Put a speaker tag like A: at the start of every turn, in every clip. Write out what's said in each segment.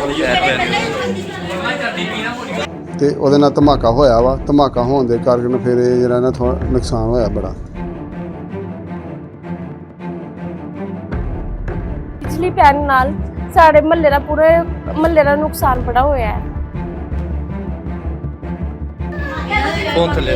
A: ਤੇ ਉਹਦੇ ਨਾਲ ਧਮਾਕਾ ਹੋਇਆ ਵਾ। ਧਮਾਕਾ ਹੋਣ ਦੇ ਕਾਰਨ ਫਿਰ ਇਹ ਜਿਹੜਾ ਨਾ ਥੋੜਾ ਨੁਕਸਾਨ ਹੋਇਆ ਬੜਾ।
B: ਬਿਜਲੀ ਪੈਣ ਨਾਲ ਸਾਡੇ ਮਹੱਲੇ ਦਾ ਪੂਰੇ ਮਹੱਲੇ ਦਾ ਨੁਕਸਾਨ ਬੜਾ ਹੋਇਆ ਹੈ।
C: ਕੌਣ ਥੱਲੇ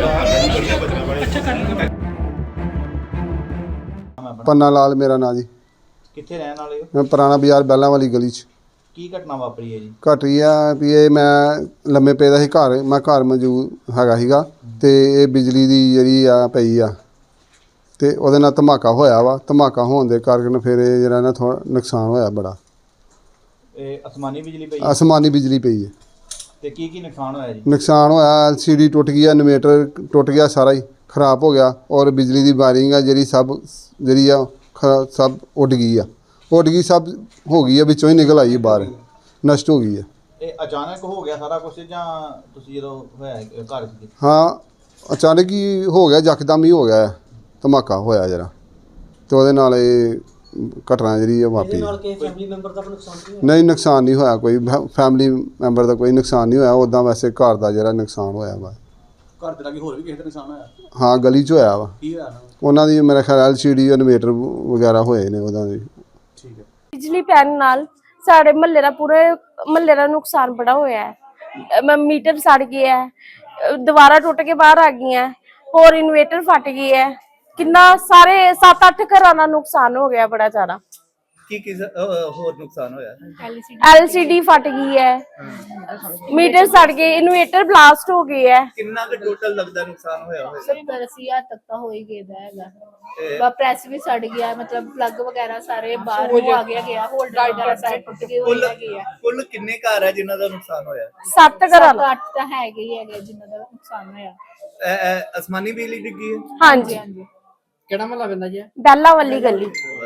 A: ਪੰਨਾ ਲਾਲ ਮੇਰਾ ਨਾਂ ਜੀ।
D: ਕਿੱਥੇ ਰਹਿਣ ਵਾਲੇ ਹੋ?
A: ਮੈਂ ਪੁਰਾਣਾ ਬਾਜ਼ਾਰ ਬੈਲਾਂ ਵਾਲੀ ਗਲੀ 'ਚ।
D: ਕੀ ਘਟਨਾ ਵਾਪਰੀ ਹੈ ਜੀ?
A: ਘਟੀ ਆ ਵੀ ਇਹ ਮੈਂ ਲੰਮੇ ਪਏ ਦਾ ਸੀ ਘਰ, ਮੈਂ ਘਰ ਮੌਜੂਦ ਹੈਗਾ ਸੀਗਾ ਤੇ ਇਹ ਬਿਜਲੀ ਦੀ ਜਿਹੜੀ ਆ ਪਈ ਆ ਤੇ ਉਹਦੇ ਨਾਲ ਧਮਾਕਾ ਹੋਇਆ ਵਾ। ਧਮਾਕਾ ਹੋਣ ਦੇ ਕਾਰਨ ਫਿਰ ਇਹ ਜਿਹੜਾ ਨਾ ਥੋੜਾ ਨੁਕਸਾਨ ਹੋਇਆ ਬੜਾ।
D: ਇਹ ਅਸਮਾਨੀ ਬਿਜਲੀ ਪਈ
A: ਅਸਮਾਨੀ ਬਿਜਲੀ ਪਈ ਹੈ
D: ਤੇ ਕੀ ਨੁਕਸਾਨ ਹੋਇਆ ਜੀ?
A: ਨੁਕਸਾਨ ਹੋਇਆ LCD ਟੁੱਟ ਗਈ, ਇਨਵੇਟਰ ਟੁੱਟ ਗਿਆ, ਸਾਰਾ ਹੀ ਖਰਾਬ ਹੋ ਗਿਆ। ਔਰ ਬਿਜਲੀ ਦੀ ਵਾਇਰਿੰਗ ਆ ਜਿਹੜੀ ਸਭ ਜਿਹੜੀ ਆ ਸਭ ਉੱਡ ਗਈ ਆ, ਸਭ ਹੋ ਗਈ ਆ, ਵਿੱਚੋਂ ਹੀ ਨਿਕਲ ਆਈ ਬਾਹਰ, ਨਸ਼ਟ ਹੋ ਗਈ ਆ।
D: ਇਹ ਅਚਾਨਕ ਹੋ ਗਿਆ ਸਾਰਾ ਕੁਝ ਜਾਂ ਤੁਸੀਂ ਜਦੋਂ ਹੋਇਆ ਘਰ ਸੀ?
A: ਹਾਂ, ਅਚਾਨਕ ਹੀ ਹੋ ਗਿਆ, ਯਕਦਮ ਹੀ ਹੋ ਗਿਆ ਧਮਾਕਾ ਹੋਇਆ ਜਰਾ ਤੇ ਉਹਦੇ ਨਾਲ ਇਹ ਘਟਨਾ ਜਿਹੜੀ ਵਾਪਰੀ।
E: ਫੈਮਿਲੀ ਮੈਂਬਰ ਦਾ ਨੁਕਸਾਨ
A: ਨਹੀਂ, ਨੁਕਸਾਨ ਨਹੀਂ ਹੋਇਆ ਕੋਈ, ਫੈਮਿਲੀ ਮੈਂਬਰ ਦਾ ਕੋਈ ਨੁਕਸਾਨ ਨਹੀਂ ਹੋਇਆ। ਉੱਦਾਂ ਵੈਸੇ ਘਰ ਦਾ ਜਿਹੜਾ ਨੁਕਸਾਨ ਹੋਇਆ ਵਾ।
E: ਘਰ ਦੇ ਲਾਗੇ ਹੋਰ ਵੀ ਕਿਸੇ ਦਾ ਨੁਕਸਾਨ ਹੋਇਆ?
A: ਹਾਂ, ਗਲੀ 'ਚ ਹੋਇਆ ਵਾ।
E: ਕੀ ਹੋਇਆ
A: ਉਹਨਾਂ ਦੀ ਮੇਰੇ ਖਿਆਲ LCD ਇਨਵੇਟਰ ਵਗੈਰਾ ਹੋਏ ਨੇ ਉਹਨਾਂ ਦੇ।
E: ਠੀਕ ਹੈ।
B: ਬਿਜਲੀ ਪੈਣ ਨਾਲ ਸਾਡੇ ਮਹੱਲੇ ਦਾ ਪੂਰੇ ਮਹੱਲੇ ਦਾ ਨੁਕਸਾਨ ਬੜਾ ਹੋਇਆ ਹੈ। ਮੀਟਰ ਸੜ ਗਿਆ ਹੈ, ਦੀਵਾਰਾਂ ਟੁੱਟ ਕੇ ਬਾਹਰ ਆ ਗਈਆਂ, ਹੋਰ ਇਨਵੇਟਰ ਫਟ ਗਈ ਹੈ। ਕਿੰਨਾ ਸਾਰੇ 7-8 ਘਰਾਂ ਦਾ ਨੁਕਸਾਨ ਹੋ ਗਿਆ ਬੜਾ ਜ਼ਿਆਦਾ।
C: ਕੀ ਹੋਰ ਨੁਕਸਾਨ ਹੋਇਆ?
B: LCD ਫਟ ਗਈ ਹੈ, ਮੀਟਰ ਸੜ ਗਏ, ਇਨਵੇਟਰ ਬਲਾਸਟ ਹੋ ਗਏ ਹੈ।
C: ਕਿੰਨਾ ਕੁ ਟੋਟਲ ਲੱਗਦਾ ਨੁਕਸਾਨ ਹੋਇਆ ਹੋਵੇਗਾ?
F: 70-80 ਤੱਕ ਤਾਂ ਹੋ ਹੀ ਗਿਆ ਹੈਗਾ। ਪ੍ਰੈਸ ਵੀ ਸੜ ਗਿਆ, ਮਤਲਬ ਪਲੱਗ ਵਗੈਰਾ ਸਾਰੇ ਬਾਹਰ ਨੂੰ ਆ ਗਿਆ, ਹੋਲਡਰ ਵਗੈਰਾ ਸਾਰੇ ਟੁੱਟ ਗਏ ਹੋਏ ਹੈਗੇ ਆ।
C: ਕੁੱਲ ਕਿੰਨੇ ਘਰ ਹੈ ਜਿਨ੍ਹਾਂ ਦਾ ਨੁਕਸਾਨ ਹੋਇਆ?
B: 7 ਘਰਾਂ ਦਾ।
F: 8 ਤਾਂ ਹੈਗੇ ਹੀ ਹੈਗੇ ਜਿਨ੍ਹਾਂ ਦਾ ਨੁਕਸਾਨ ਹੋਇਆ।
C: ਅਸਮਾਨੀ ਬਿਜਲੀ ਡਿੱਗੀ ਹੈ?
B: ਹਾਂਜੀ,
E: ਕਿਹੜਾ ਮਹੱਲਾ ਪੈਂਦਾ ਜੀ?
B: ਬੈਲਾਂ ਵਾਲੀ ਗਲੀ।